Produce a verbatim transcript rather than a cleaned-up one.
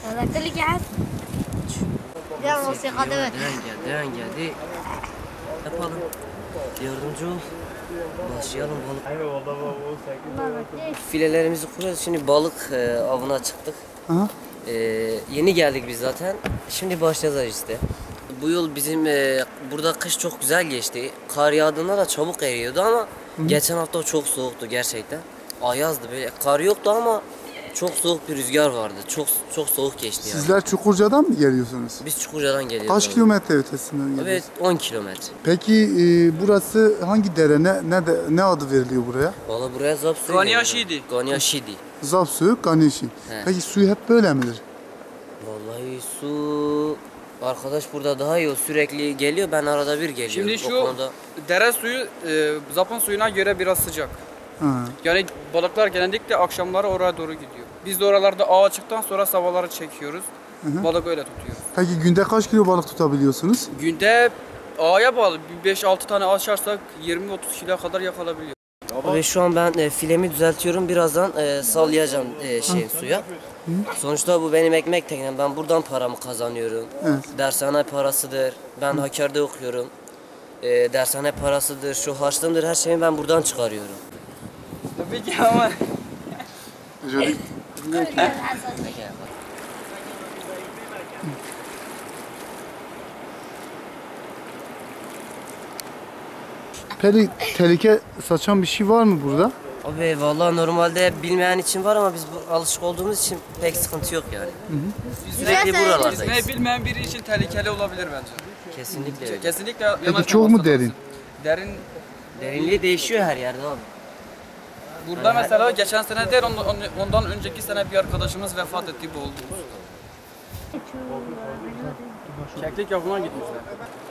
تذكرلي جهاز يا موسيقى دبل Dön gel, dön geldi. Yapalım. Yardımcı ol. Başlayalım balık. Filelerimizi kuruyoruz. Şimdi balık e, avına çıktık. Aha. E, yeni geldik biz zaten. Şimdi başlayacağız işte. Bu yıl bizim e, burada kış çok güzel geçti. Kar yağdığında da çabuk eriyordu ama Hı. geçen hafta çok soğuktu gerçekten. Ayazdı böyle. Kar yoktu ama çok soğuk bir rüzgar vardı. Çok çok soğuk geçti yani. Sizler Çukurca'dan mı geliyorsunuz? Biz Çukurca'dan geliyoruz. Kaç abi. kilometre ötesinden geliyorsunuz? Evet, on kilometre. Peki e, burası hangi dere? Ne ne, de, ne adı veriliyor buraya? Valla buraya zap suyu Ganya veriyorlar. Şidi. Ganya Şidi. Zap suyu, Ganeşi. He. Peki suyu hep böyle midir? Vallahi su... Arkadaş burada daha iyi, o sürekli geliyor, ben arada bir geliyorum. Şimdi O şu konuda... dere suyu e, Zapon suyuna göre biraz sıcak. Ha. Yani balıklar genellikle akşamları oraya doğru gidiyor. Biz de oralarda ağa çıktıktan sonra sabahları çekiyoruz. Hı hı. Balık öyle tutuyoruz. Peki günde kaç kilo balık tutabiliyorsunuz? Günde ağaya bağlı bir beş altı tane açarsak yirmi otuz kilo kadar yakalabiliyor. Ve şu an ben e, filemi düzeltiyorum, birazdan e, sallayacağım e, şey suya. Hı. Sonuçta bu benim ekmek teknem, ben buradan paramı kazanıyorum. Evet. Dershane parasıdır, ben Hakkari'de okuyorum. E, dershane parasıdır, şu harçlığımdır, her şeyi ben buradan çıkarıyorum. Tabii ki ama Şöyle Peki tehlike saçan bir şey var mı burada? Abi vallahi normalde bilmeyen için var ama biz bu, alışık olduğumuz için pek sıkıntı yok yani. Sürekli buralardayız. yüzmeyi bilmeyen biri için tehlikeli olabilir bence. Kesinlikle öyle. Kesinlikle Peki yanaşmaması çok mu lazım. derin? Derin. Derinliği değişiyor her yerde abi. Burada mesela geçen sene değil ondan, ondan önceki sene bir arkadaşımız vefat etti, boğuldu. Keklik yapına gitmişler.